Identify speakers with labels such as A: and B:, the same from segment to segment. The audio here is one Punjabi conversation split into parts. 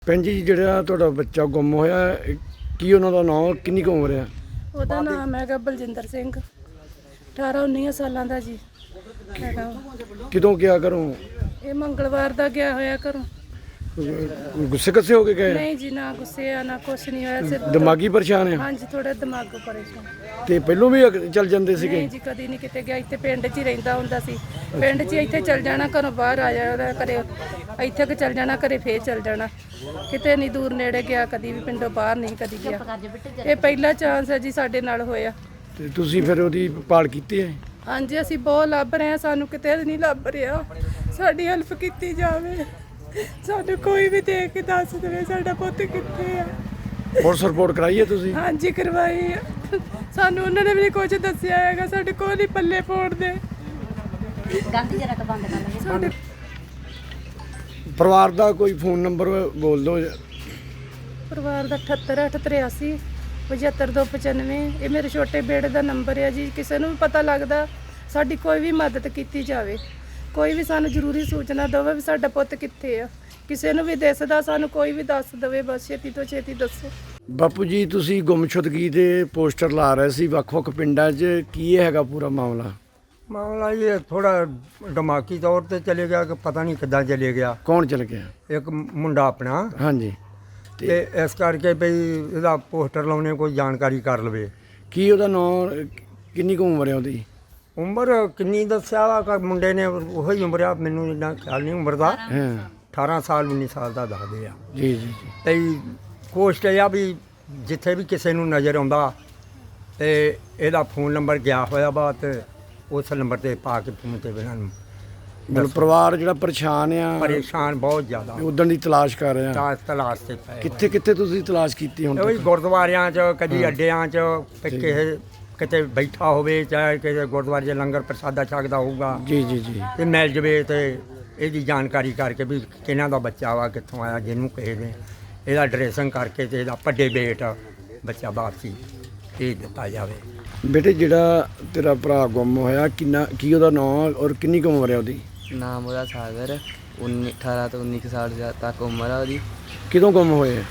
A: ਭੈਣ ਜੀ ਜਿਹੜਾ ਤੁਹਾਡਾ ਬੱਚਾ ਗੁੰਮ ਹੋਇਆ ਕੀ ਉਹਨਾਂ ਦਾ ਨਾਮ ਕਿੰਨੀ ਕੁ ਉਮਰ ਹੈ?
B: ਉਹਦਾ ਨਾਮ ਹੈਗਾ ਬਲਜਿੰਦਰ ਸਿੰਘ 18-19 ਸਾਲਾਂ ਦਾ ਜੀ ਹੈਗਾ ਉਹ।
A: ਕਿਦੋਂ ਗਿਆ ਘਰੋਂ?
B: ਇਹ ਮੰਗਲਵਾਰ ਦਾ ਗਿਆ ਹੋਇਆ ਘਰੋਂ।
A: ਗੁੱਸੇ ਕੱਸੇ ਹੋ ਕੇ ਗਏ?
B: ਨਹੀਂ ਜੀ, ਨਾ ਗੁੱਸੇ ਆ ਨਾ ਕੁਛ ਨਹੀਂ ਹੋਇਆ, ਸਿਰਫ
A: ਦਿਮਾਗੀ ਪਰੇਸ਼ਾਨ ਹੈ?
B: ਹਾਂਜੀ ਥੋੜਾ ਦਿਮਾਗ ਪਰੇਸ਼ਾਨ।
A: ਤੇ ਪਹਿਲੋਂ ਵੀ ਚੱਲ ਜਾਂਦੇ ਸੀਗੇ?
B: ਨਹੀਂ ਜੀ, ਕਦੀ ਨਹੀਂ ਕਿਤੇ ਗਿਆ। ਇੱਥੇ ਪਿੰਡ 'ਚ ਹੀ ਰਹਿੰਦਾ ਹੁੰਦਾ ਸੀ। ਪਿੰਡ 'ਚ ਇੱਥੇ ਚੱਲ ਜਾਣਾ, ਘਰੋਂ ਬਾਹਰ ਆ ਜਾਣਾ, ਘਰੇ ਇੱਥੇ ਕਿ ਚੱਲ ਜਾਣਾ, ਘਰੇ ਫੇਰ ਚੱਲ ਜਾਣਾ। ਕਿਤੇ ਨਹੀਂ ਦੂਰ ਨੇੜੇ ਗਿਆ, ਕਦੀ ਵੀ ਪਿੰਡੋਂ ਬਾਹਰ ਨਹੀਂ ਕਦੀ ਗਿਆ। ਇਹ ਪਹਿਲਾ ਚਾਂਸ ਹੈ ਜੀ ਸਾਡੇ ਨਾਲ ਹੋਇਆ।
A: ਤੇ ਤੁਸੀਂ ਫਿਰ ਉਹਦੀ ਭਾਲ ਕੀਤੀ ਹੈ?
B: ਹਾਂਜੀ ਅਸੀਂ ਬਹੁਤ ਲੱਭ ਰਹੇ ਹਾਂ, ਸਾਨੂੰ ਕਿਤੇ ਨਹੀਂ ਲੱਭ ਰਿਹਾ। ਸਾਡੀ ਹੈਲਪ ਕੀਤੀ ਜਾਵੇ, ਸਾਨੂੰ ਕੋਈ ਵੀ ਦੇਖ ਕੇ ਦੱਸ ਦੇਵੇ ਸਾਡਾ ਪੁੱਤ ਕਿੱਥੇ ਆ।
A: ਪੁਲਿਸ ਰਿਪੋਰਟ ਕਰਾਈ ਹੈ ਤੁਸੀਂ?
B: ਹਾਂਜੀ ਕਰਵਾਈ ਆ। ਸਾਨੂੰ ਉਹਨਾਂ ਨੇ ਵੀ ਕੁਝ ਦੱਸਿਆ ਹੈਗਾ, ਸਾਡੇ ਕੋਲ ਹੀ ਪੱਲੇ ਪਾਉਣ ਦੇ।
C: ਗਲਤੀ ਜਰਾ ਕ ਬੰਦ ਕਰ ਲਵੇ।
B: ਸਾਡੇ
A: ਪਰਿਵਾਰ ਦਾ ਕੋਈ ਫੋਨ ਨੰਬਰ ਬੋਲ ਦਿਓ।
B: ਪਰਿਵਾਰ ਦਾ 78 883 75295। ਇਹ ਮੇਰੇ ਛੋਟੇ ਬੇੜੇ ਦਾ ਨੰਬਰ ਹੈ ਜੀ। ਕਿਸੇ ਨੂੰ ਵੀ ਪਤਾ ਲੱਗਦਾ ਸਾਡੀ ਕੋਈ ਵੀ ਮਦਦ ਕੀਤੀ ਜਾਵੇ, ਕੋਈ ਵੀ ਸਾਨੂੰ ਜ਼ਰੂਰੀ ਸੂਚਨਾ ਦੇਵੇ ਵੀ ਸਾਡਾ ਪੁੱਤ ਕਿੱਥੇ ਆ। ਕਿਸੇ ਨੂੰ ਵੀ ਦਿਸਦਾ ਸਾਨੂੰ ਕੋਈ ਵੀ ਦੱਸ ਦੇਵੇ, ਬਸ ਛੇਤੀ ਤੋਂ ਛੇਤੀ ਦੱਸੋ।
A: ਬਾਪੂ ਜੀ ਤੁਸੀਂ ਗੁੰਮਸ਼ੁਦਗੀ ਦੇ ਪੋਸਟਰ ਲਾ ਰਹੇ ਸੀ ਵੱਖ-ਵੱਖ ਪਿੰਡਾਂ 'ਚ, ਕੀ ਇਹ ਹੈਗਾ ਪੂਰਾ ਮਾਮਲਾ?
D: ਮਾਮਲਾ ਇਹ ਥੋੜਾ ਦਿਮਾਗੀ ਤੌਰ ਤੇ ਚਲੇ ਗਿਆ ਕਿ ਪਤਾ ਨਹੀਂ ਕਿੱਦਾਂ ਚਲੇ ਗਿਆ।
A: ਕੌਣ ਚਲ ਗਿਆ?
D: ਇੱਕ ਮੁੰਡਾ ਆਪਣਾ,
A: ਹਾਂਜੀ।
D: ਤੇ ਇਸ ਕਰਕੇ ਵੀ ਇਹਦਾ ਪੋਸਟਰ ਲਾਉਣੇ ਕੋਈ ਜਾਣਕਾਰੀ ਕਰ ਲਵੇ।
A: ਕੀ ਉਹਦਾ ਨਾਂ ਕਿੰਨੀ ਕੁ ਉਮਰ ਹੈ ਉਹਦੀ?
D: ਉਮਰ ਕਿੰਨੀ ਦੱਸਿਆ ਵਾ ਕਿ ਮੁੰਡੇ ਨੇ ਉਹੀ ਉਮਰ ਆ, ਮੈਨੂੰ ਇੰਨਾ ਖਿਆਲ ਨਹੀਂ ਉਮਰ ਦਾ।
A: ਹਾਂ
D: 18 ਸਾਲ 19 ਸਾਲ ਦਾ ਦੱਸਦੇ ਆ।
A: ਜੀ ਜੀ ਜੀ।
D: ਤੇ ਕੋਸ਼ਟ ਇਹ ਆ ਵੀ ਜਿੱਥੇ ਵੀ ਕਿਸੇ ਨੂੰ ਨਜ਼ਰ ਆਉਂਦਾ ਤੇ ਇਹਦਾ ਫੋਨ ਨੰਬਰ ਗਿਆ ਹੋਇਆ ਵਾ, ਤੇ ਉਸ ਨੰਬਰ ਤੇ ਪਾ ਕੇ ਫੋਨ ਤੇ ਇਹਨਾਂ ਨੂੰ
A: ਮਤਲਬ ਪਰਿਵਾਰ ਜਿਹੜਾ ਪਰੇਸ਼ਾਨ ਆ,
D: ਪਰੇਸ਼ਾਨ ਬਹੁਤ ਜ਼ਿਆਦਾ
A: ਉਦਣ ਦੀ ਤਲਾਸ਼ ਕਰ ਰਿਹਾ।
D: ਤਲਾਸ਼ ਤੇ ਪਏ
A: ਕਿੱਥੇ ਕਿੱਥੇ ਤੁਸੀਂ ਤਲਾਸ਼ ਕੀਤੀ ਹੁਣ
D: ਉਹੀ
A: ਤੱਕ?
D: ਗੁਰਦੁਆਰਿਆਂ 'ਚ, ਕਦੀ ਅੱਡਿਆਂ 'ਚ, ਕਿਸੇ ਕਿਤੇ ਬੈਠਾ ਹੋਵੇ, ਚਾਹੇ ਕਿਸੇ ਗੁਰਦੁਆਰੇ 'ਚ ਲੰਗਰ ਪ੍ਰਸਾਦਾ ਛਕਦਾ ਹੋਊਗਾ
A: ਜੀ ਜੀ ਜੀ।
D: ਤੇ ਮਿਲ ਜਵੇ, ਤੇ ਇਹਦੀ ਜਾਣਕਾਰੀ ਕਰਕੇ ਵੀ ਕਿਹਨਾਂ ਦਾ ਬੱਚਾ ਵਾ, ਕਿੱਥੋਂ ਆਇਆ, ਜਿਹਨੂੰ ਕਿਸੇ ਨੇ ਇਹਦਾ ਡਰੈਸਿੰਗ ਕਰਕੇ ਤੇ ਇਹਦਾ ਵੱਡੇ ਬੇਟ ਬੱਚਾ ਵਾਪਸੀ ਭੇਜ ਦਿੱਤਾ ਜਾਵੇ।
A: ਬੇਟੇ ਜਿਹੜਾ ਤੇਰਾ ਭਰਾ ਗੁੰਮ ਹੋਇਆ, ਕੀ ਉਹਦਾ ਨਾਂ ਔਰ ਕਿੰਨੀ ਕੁ ਉਮਰ ਹੈ ਉਹਦੀ?
E: ਨਾਮ ਉਹਦਾ ਸਾਗਰ, 18 ਤੋਂ 19 ਸਾਲ ਤੱਕ ਉਮਰ ਆ ਉਹਦੀ।
A: ਕਿਦੋਂ ਗੁੰਮ ਹੋਏ?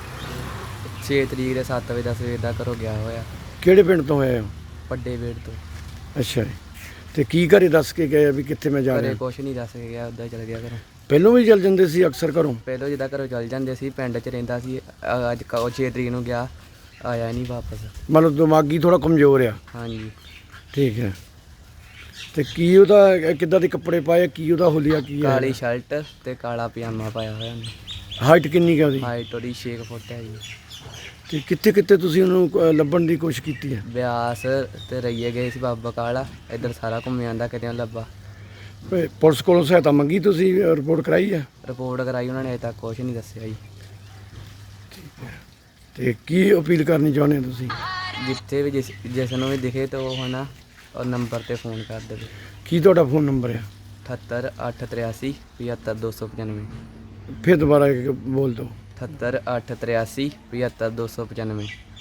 E: 6 ਤਰੀਕ ਦੇ 7 ਵਜੇ ਦਾ ਸਵੇਰ ਦਾ ਘਰੋਂ ਗਿਆ ਹੋਇਆ,
A: ਕਿਹੜੇ ਪਿੰਡ ਤੋਂ ਹੋਏ ਹੋ?
E: ਵੱਡੇ ਵੇੜ ਤੋਂ।
A: ਅੱਛਾ ਜੀ। ਤੇ ਕੀ ਘਰੇ ਦੱਸ ਕੇ ਗਏ ਵੀ ਕਿੱਥੇ ਮੈਂ ਜਾ
E: ਘਰੇ
A: ਰਿਹਾ?
E: ਕੁਛ ਨਹੀਂ ਦੱਸ ਕੇ ਗਿਆ, ਉੱਦਾਂ ਹੀ ਚਲ ਗਿਆ ਘਰੋਂ।
A: ਪਹਿਲੋਂ ਵੀ ਚੱਲ ਜਾਂਦੇ ਸੀ ਅਕਸਰ ਘਰੋਂ?
E: ਪਹਿਲਾਂ ਜਿੱਦਾਂ ਘਰੋਂ ਚੱਲ ਜਾਂਦੇ ਸੀ, ਪਿੰਡ 'ਚ ਰਹਿੰਦਾ ਸੀ। ਅੱਜ 6 ਤਰੀਕ ਨੂੰ ਗਿਆ, ਆਇਆ ਨਹੀਂ ਵਾਪਸ।
A: ਮਤਲਬ ਦਿਮਾਗੀ ਥੋੜਾ ਕਮਜ਼ੋਰ ਆ?
E: ਹਾਂਜੀ।
A: ਠੀਕ ਹੈ। ਤੇ ਕੀ ਉਹਦਾ ਕਿੱਦਾਂ ਦੇ ਕੱਪੜੇ ਪਾਏ, ਕੀ ਉਹਦਾ ਹੁਲੀਆ ਕੀ ਹੈ?
E: ਕਾਲੀ ਸ਼ਰਟ ਤੇ ਕਾਲਾ ਪਜਾਮਾ ਪਾਇਆ ਹੋਇਆ ਉਹਨੇ।
A: ਹਾਈਟ ਕਿੰਨੀ ਕੁ ਹੈ ਉਹਦੀ?
E: ਹਾਈਟ ਉਹਦੀ 6 ਫੁੱਟ ਹੈ ਜੀ।
A: ਤੇ ਕਿੱਥੇ ਕਿੱਥੇ ਤੁਸੀਂ ਉਹਨੂੰ ਲੱਭਣ ਦੀ ਕੋਸ਼ਿਸ਼ ਕੀਤੀ ਹੈ?
E: ਬਿਆਸ ਤੇ ਰਈਏ ਗਏ ਸੀ, ਬਾਬਾ ਕਾਲਾ, ਇੱਧਰ ਸਾਰਾ ਘੁੰਮ ਜਾਂਦਾ, ਕਿਤੇ ਨੀ ਲੱਭਾ।
A: ਪੁਲਿਸ ਕੋਲੋਂ ਸਹਾਇਤਾ ਮੰਗੀ ਤੁਸੀਂ, ਰਿਪੋਰਟ ਕਰਾਈ ਹੈ?
E: ਰਿਪੋਰਟ ਕਰਾਈ ਉਹਨਾਂ ਨੇ, ਅਜੇ ਤੱਕ ਕੁਛ ਨਹੀਂ ਦੱਸਿਆ ਜੀ।
A: ਤੇ ਕੀ ਅਪੀਲ ਕਰਨੀ ਚਾਹੁੰਦੇ ਹੋ ਤੁਸੀਂ?
E: ਜਿੱਥੇ ਵੀ ਜਿਸ ਨੂੰ ਵੀ ਦਿਖੇ ਤਾਂ ਉਹ ਹਨਾ ਉਹ ਨੰਬਰ ਤੇ ਫੋਨ ਕਰ ਦੇਵੇ।
A: ਕੀ ਤੁਹਾਡਾ ਫੋਨ ਨੰਬਰ ਹੈ?
E: 78 883 75 295।
A: ਫਿਰ ਦੁਬਾਰਾ ਬੋਲ ਦਿਓ।
E: 78 883 75 295।